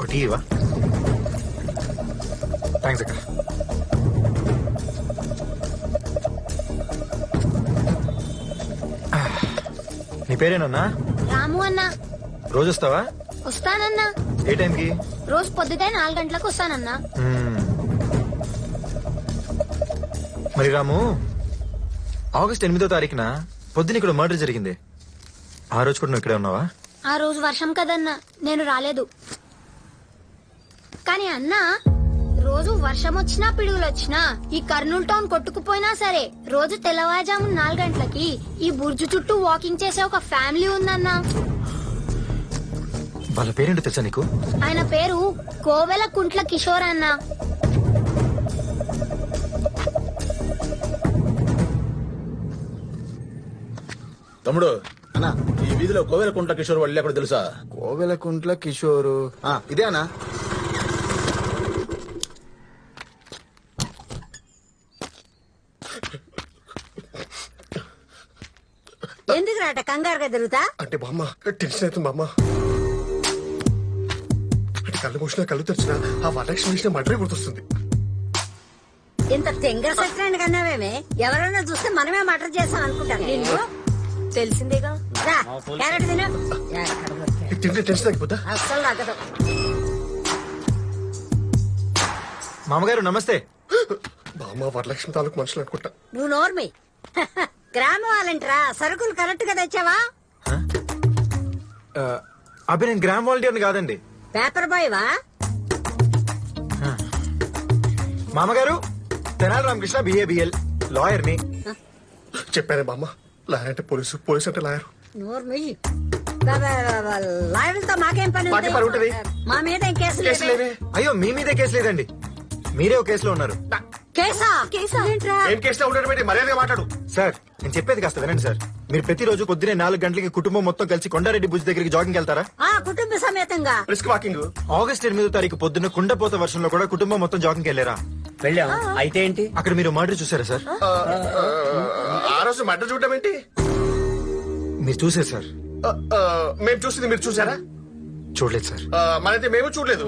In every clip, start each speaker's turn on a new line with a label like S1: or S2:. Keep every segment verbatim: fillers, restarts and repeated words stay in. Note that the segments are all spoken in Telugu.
S1: టీ ఇవా? థ్యాంక్స్ అక్క. నీ పేరేనన్నా?
S2: రాము అన్నా.
S1: రోజు వస్తావా?
S2: వస్తానన్నా.
S1: ఏ టైంకి?
S2: రోజు పొద్దుటే నాలుగు గంటలకు వస్తానన్నా.
S1: మరి రాము, ఆగస్ట్ ఎనిమిదో తారీఖున పొద్దున ఇక్కడ మర్డర్ జరిగింది. ఆ రోజు కూడా నువ్వు ఇక్కడే ఉన్నావా?
S2: ఆ రోజు వర్షం కదన్నా, నేను రాలేదు. కానీ అన్నా, రోజు వర్షం వచ్చినా పిడుగులు వచ్చినా ఈ కర్నూలు టౌన్ కొట్టుకుపోయినా సరే రోజు తెల్లవారుజాము నాలుగు గంటలకి ఈ బుర్జు చుట్టూ వాకింగ్ చేసే ఒక ఫ్యామిలీ ఉందన్నా.
S1: వాళ్ళ పేరేంటో తెలుసా నీకు?
S2: ఆయన పేరు కోవెల కుంట్ల కిషోర్ అన్న.
S3: తమ్ముడు అన్నా, ఈ వీధిలో కోవెల కుంట్ల కిషోర్ వాళ్ళు ఎక్కడ తెలుసా?
S4: కోవెల కుంట్ల కిషోరు ఇదే అన్నా.
S5: ఎందుకు రాట కంగారుగా తిరుగుతా?
S6: అంటే బామ్మ టెన్షన్ అవుతుంది బామ్మ. అంటే కళ్ళు మూసినా కళ్ళు తెరిచినా ఆ వరలక్ష్మి విషయం మడ్రే గుర్తొస్తుంది.
S5: ఇంత తెంగర సత్యాన్ని కన్నావేమే, ఎవరైనా చూస్తే మనమే మటర్ చేస్తాం అనుకుంటారు. నిన్ను
S7: తెలిసిందేగా.
S5: రా, క్యారెట్ తిను.
S6: తింటే టెన్షన్ తగ్గిపోతా.
S5: అస్సలు తగ్గదు.
S1: మామగారు నమస్తే.
S6: బామ్మ వరలక్ష్మి తాలూకు మనుషులు అనుకుంటా.
S5: నువ్వు నోర్మి. గ్రామ వాళ్ళంటరా, సరుకులు కరెక్ట్ గా తెచ్చావా?
S1: అబ్బే నేను గ్రామ్ వాలంటీర్ని కాదండి.
S5: పేపర్ బాయ్ వా?
S1: మామగారు తెనాలి రామకృష్ణ, బిఏబిఎల్ లాయర్ ని.
S6: చెప్పానే బామ్మ, లాయర్ అంటే పోలీసు, పోలీసు అంటే లాయర్.
S5: నోర్మి. లాయర్లతో మాకేం పని?
S6: మాకేం పని ఉంటది?
S5: మా మీద ఏం కేసు
S6: కేసు లేవే.
S1: అయ్యో మీ మీదే కేసు లేదండి, మీరే ఒక కేసులో ఉన్నారు.
S5: కేసా? కేసా ఏంట్రా?
S6: ఏం కేసులో ఉండడం ఏంటి? మర్యాదగా మాట్లాడు.
S1: సార్ నేను చెప్పేది కాస్త వినండి సార్. మీరు ప్రతిరోజు పొద్దునే నాలుగు గంటలకి కుటుంబం మొత్తం కలిసి కొండారెడ్డి భుజ్ దగ్గరికి జాగింగ్ వెళ్తారా?
S5: ఆ కుటుంబ సమేతంగా.
S6: Risk walking.
S1: ఆగస్ట్ ఎనిమిదో తారీఖు పొద్దున్న కుండపోత వర్షంలో కూడా కుటుంబం మొత్తం జాగింగ్ వెళ్ళారా?
S8: వెళ్ళాం. అయితే ఏంటి?
S1: అక్కడ మీరు మర్డర్ చూసారా సార్?
S6: ఆ రోజు మర్డర్ చూడడం ఏంటి?
S1: మీరు చూసారు సార్?
S6: మేము చూసింది మీరు చూసారా?
S1: చూడలేదు సార్.
S6: మనైతే మేము చూడలేదు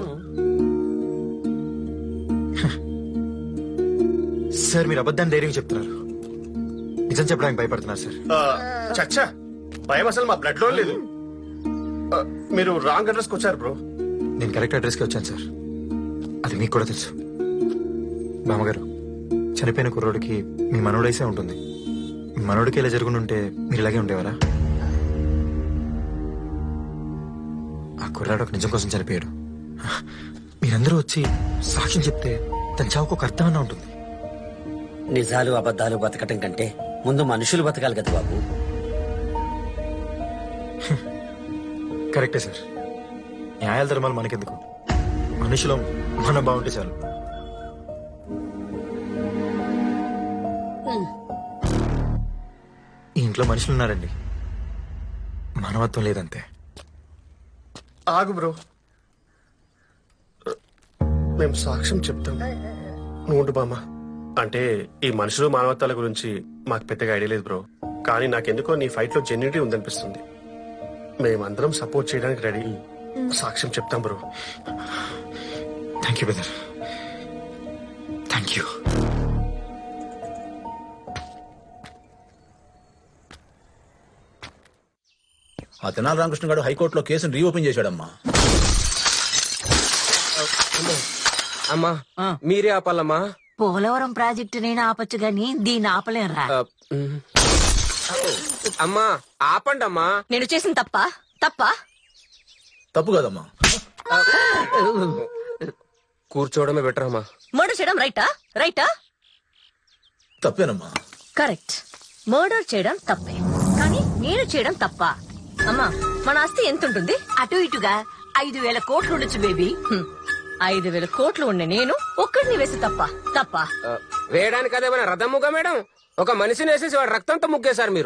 S1: సార్. మీరు అబద్ధాన్ని ధైర్యం చెప్తున్నారు, నిజం చెప్పడానికి భయపడుతున్నారు సార్.
S6: చచ్చా, భయం అసలు మా బ్లడ్ లో లేదు. మీరు రాంగ్ అడ్రస్ కి వచ్చారు బ్రో.
S1: నేను కరెక్ట్ అడ్రస్ కి వచ్చాను సార్, అది మీకు కూడా తెలుసు. బామ్మగారు, చనిపోయిన కుర్రోడికి మీ మనోడైసే ఉంటుంది. మీ మనోడికి ఇలా జరుగుంటే మీరు ఇలాగే ఉండేవారా? ఆ కుర్రాడు ఒక నిజం కోసం చనిపోయాడు. మీరందరూ వచ్చి సాక్ష్యం చెప్తే తన చావుకు ఒక అర్థమన్నా ఉంటుంది.
S8: నిజాలు అబద్ధాలు బతకటం కంటే ముందు మనుషులు బతకాలి కదా బాబు.
S1: కరెక్టే సార్. న్యాయాల ధర్మాలు మనకెందుకు, మనుషులం మన బాగుంటే చాలు. ఈ ఇంట్లో మనుషులు ఉన్నారండి, మానవత్వం లేదంతే.
S6: ఆగు బ్రో, మేము సాక్ష్యం చెప్తాం, నువ్వు ఉండు బామ్మ. అంటే ఈ మనుషులు మానవత్వాల గురించి మాకు పెద్దగా ఐడియా లేదు బ్రో, కానీ నాకెందుకో నీ ఫైట్ లో జెన్యూనిటీ ఉందనిపిస్తుంది. మేమందరం సపోర్ట్ చేయడానికి రెడీ. సాక్ష్యం చెప్తాం bro.
S1: Thank you brother, thank you.
S3: ఆ తెనాలి రామకృష్ణ గారు హైకోర్టులో కేసును రీఓపెన్ చేశాడమ్మా.
S9: అమ్మా మీరే ఆపాలమ్మా.
S5: పోలవరం ప్రాజెక్టు నేను ఆపచ్చు గాని దీన్ని ఆపలేరా?
S9: అమ్మా ఆపండి అమ్మా.
S7: నేను చేసిన తప్ప తప్ప
S3: తప్పు కదమ్మా.
S9: కూర్చోవడమే బెటర్ అమ్మా.
S7: మర్డర్ చేయడం రైటా? రైటా?
S3: తప్పేనమ్మా.
S7: కరెక్ట్, మర్డర్ చేయడం తప్పే, కానీ నేను చేయడం తప్ప. అమ్మా మన ఆస్తి ఎంత ఉంటుంది?
S5: అటు ఇటుగా ఐదు వేల కోట్లు ఉండొచ్చు బేబీ.
S7: హ్మ్. ఐదు వేల కోట్లు ఉండే నేను ఒక్కడిని వేసి తప్ప తప్ప
S9: వేయడానికి అదేమైనా రథముగా మేడం? ఒక మనిషిని వేసేసి వాడు రక్తంతో ముగ్గేశారు మీరు.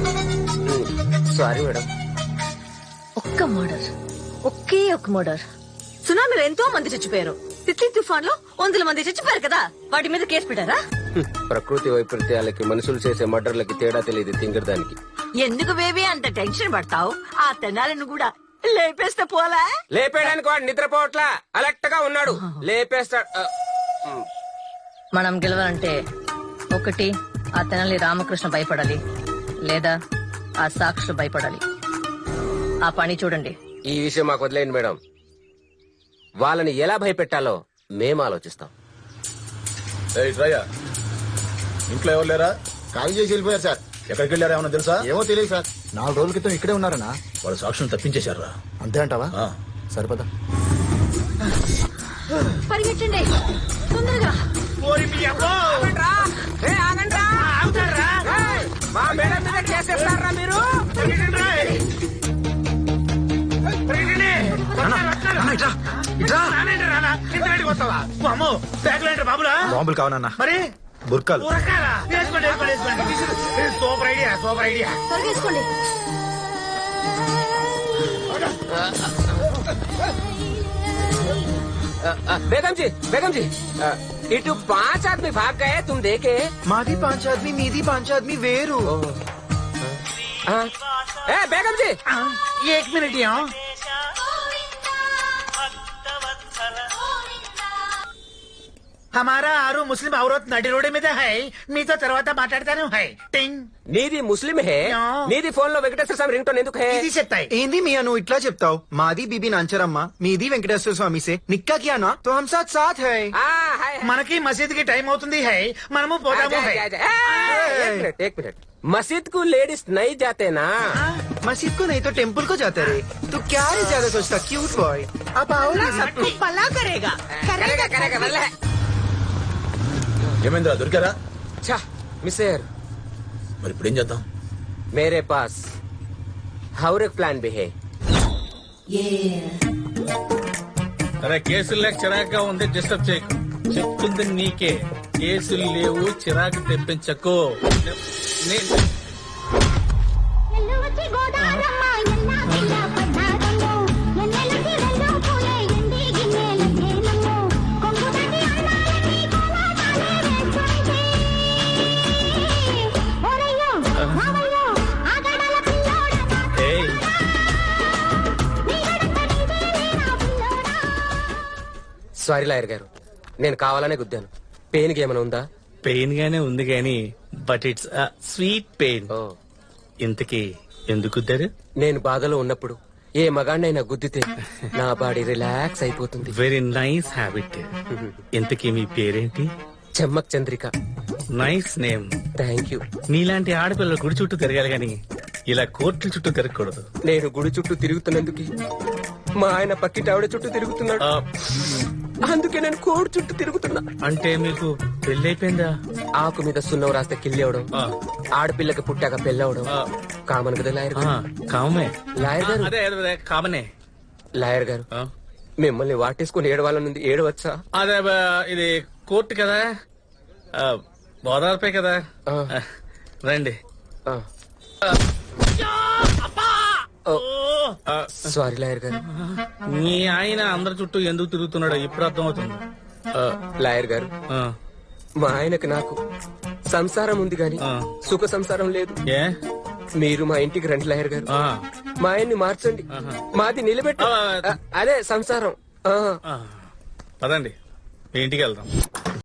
S9: Sorry madam.
S7: ఒక్క మర్డర్, ఒకే ఒక మర్డర్. సునామీలో ఎంతో మంది చచ్చిపోయారు, తిత్లీ తుఫాన్ లో వందల మంది చచ్చిపోయారు కదా, వాటి మీద కేసు పెట్టారా?
S9: ప్రకృతి వైపరీత్యాలకి మనుషులు చేసే మర్డర్లకి తేడా తెలియదు తింగరదానికి.
S5: ఎందుకు బేబీ అంత టెన్షన్ పడతావు? ఆ తెనాలను కూడా లేపేస్తే పోలా?
S9: లేపేయడానికి వాడు నిద్రపోవట్లా అలర్ట్ గా ఉన్నాడు. లేపేస్తాడు. ఆ, ఉమ్.
S7: మనం గెలవాలంటే ఒకటి ఆ తెనాలి రామకృష్ణ భయపడాలి, లేదా ఆ సాక్షులు భయపడాలి. ఆ పని చూడండి.
S9: ఈ విషయం మాకు వదిలేయండి మేడం. వాళ్ళని ఎలా భయపెట్టాలో మేము ఆలోచిస్తాం.
S3: ఏయ్ శ్రయ్య, ఇంట్లో ఎవరు లేరా?
S4: ఖాళీ చేసి వెళ్ళిపోయారు సార్.
S3: ఎక్కడికి వెళ్ళారా ఏమన్నా తెలుసా?
S4: ఏమో తెలియదు సార్. నాలుగు రోజుల క్రితం ఇక్కడే ఉన్నారనా?
S3: వాళ్ళు సాక్షులను తప్పించేశారా?
S4: అంతే అంటావా?
S3: ఆ.
S4: సరిపదా.
S7: పరిగెట్టండి తొందరగా.
S9: ఆగండ్రా. ఏ, ఆగండ్రా. ఏయ్, మా మేడం మీద కేసేస్తారా మీరు?
S1: బాంబులు కావనన్నా
S10: మరి
S1: బుర్కాలు.
S10: ఉరకాలా? వేసుకోండి, వేసుకోండి, వేసుకోండి. Super idea, super idea.
S7: త్వరగా వేసుకోండి.
S9: ఆ, ఆ, బేగం జీ, బేగం జీ, ఆ, ఇటు పాంచ్ ఆద్మీ భాగ్ గయే తుమ్ దేకే.
S1: మాది పాంచాద్మి, మీది పాంచాద్మి వేరు.
S9: ఆ, ఏ బేగం జీ,
S10: ఏక్ మినిట్ యా. हमारा आरू मुस्लिम औरत नडी रोड మీద है మీతో తర్వాత మాట్లాడతాను హై టింగ్
S9: నీది ముస్లిం హే,
S10: యా.
S9: నీది ఫోన్ లో వెంకటేశ్వర స్వామి రింగ్ టోన్ ఎందుకు హే?
S10: ఇది చెప్తాయి.
S1: ఏంది మియా నువ్వు ఇట్లా చెప్తావు? మాది బీబీ నాంచరమ్మ, మీది వెంకటేశ్వర స్వామి సే నిక్కా కియా నా తో హమ్ సాత్ సాత్ హై.
S9: ఆ, హై, హై.
S10: మనకి మసీద్ కి టైం అవుతుంది హై, మనము పోదాము
S9: आजा,
S10: హై.
S9: आजा, आजा। ए, एक मिनट एक मिनट मस्जिद को लेडीज नहीं जाते ना?
S1: मस्जिद को नहीं तो टेम्पल को जाते रे. तू क्या रे ज्यादा सोचता क्यूट बॉय. अब आओ ना सबको.
S5: పలా కరేగా
S9: करेगा करेगा वल्ले।
S3: ఏమైందిరా, దొరికారా?
S9: अच्छा मिसेर,
S3: మరి ఇప్పుడు ఏం చేద్దాం?
S9: मेरे पास और एक प्लान भी है।
S11: అరే కేసులు లేక చిరాగ్గా ఉంది, డిస్టర్బ్ చేయకు. చెప్తుంది నీకే, కేసులు లేవు, చిరాకు తెప్పించకు. నే- ఏయ్,
S9: సారీ లాయర్ గారు, నేను కావాలనే గుద్దాను. పెయిన్ కి ఏమైనా ఉందా?
S11: పెయిన్ గానే ఉంది గాని, బట్ ఇట్స్ స్వీట్ పెయిన్.
S9: ఓ,
S11: ఇంతకీ ఎందుకు గుద్దారు?
S9: నేను బాధలో ఉన్నప్పుడు ఏ మగాడినైనా గుద్దితే నా బాడీ రిలాక్స్ అయిపోతుంది.
S11: Very nice habit. ఇంతకీ మీ పేరేంటి?
S9: Chemmak Chandrika.
S11: Nice name.
S9: Thank you.
S11: నీలాంటి ఆడపిల్లలు గుడి చుట్టూ తిరగాలి గాని ఇలా కోర్టుల చుట్టూ తిరగకూడదు.
S9: నేను గుడి చుట్టూ తిరుగుతున్నందుకు మా ఆయన పక్కింటి ఆవిడ చుట్టూ తిరుగుతున్నాడు.
S11: ఆ,
S9: అందుకే నేను కోడి చుట్టూ తిరుగుతున్నా.
S11: అంటే మీకు పెళ్ళైపోయిందా?
S9: ఆకు మీద సున్నం రాస్తే కిల్లి అవడం,
S11: ఆ,
S9: ఆడపిల్లకి పుట్టాక పెళ్ళవడం
S11: ఆ.
S9: కామన్ కదా లాయర్
S11: ఆ,
S9: గారు.
S11: కామనే.
S9: లాయర్ గారు,
S11: అదే అదే, అదే కామనే.
S9: లాయర్ గారు,
S11: ఆ,
S9: మిమ్మల్ని వాటేసుకుని ఏడవాలనుంది, ఏడవచ్చా?
S11: అదే బా, ఇది కోర్టు కదా, ఆ, బోదార్పే కదా.
S9: ఆ.
S11: ఆ, రండి.
S9: ఆ. ఓ, సారీ లాయర్ గారు.
S11: మీ ఆయన అందరి చుట్టూ ఎందుకు తిరుగుతున్నాడో ఇప్పుడు అర్థమవుతుంది.
S9: ఆ, లాయర్ గారు,
S11: ఆ,
S9: మా ఆయనకు నాకు సంసారం ఉంది గాని
S11: ఆ.
S9: సుఖ సంసారం లేదు.
S11: ఏ
S9: మీరు మా ఇంటికి రండి లాయర్ గారు.
S11: ఆ,
S9: మా ఆయన్ని మార్చండి,
S11: ఆహా.
S9: మాది నిలబెట్టు.
S11: ఆ.
S9: ఆ, అదే సంసారం. ఆ.
S11: ఆ, పదండి మీ ఇంటికి వెళ్దాం.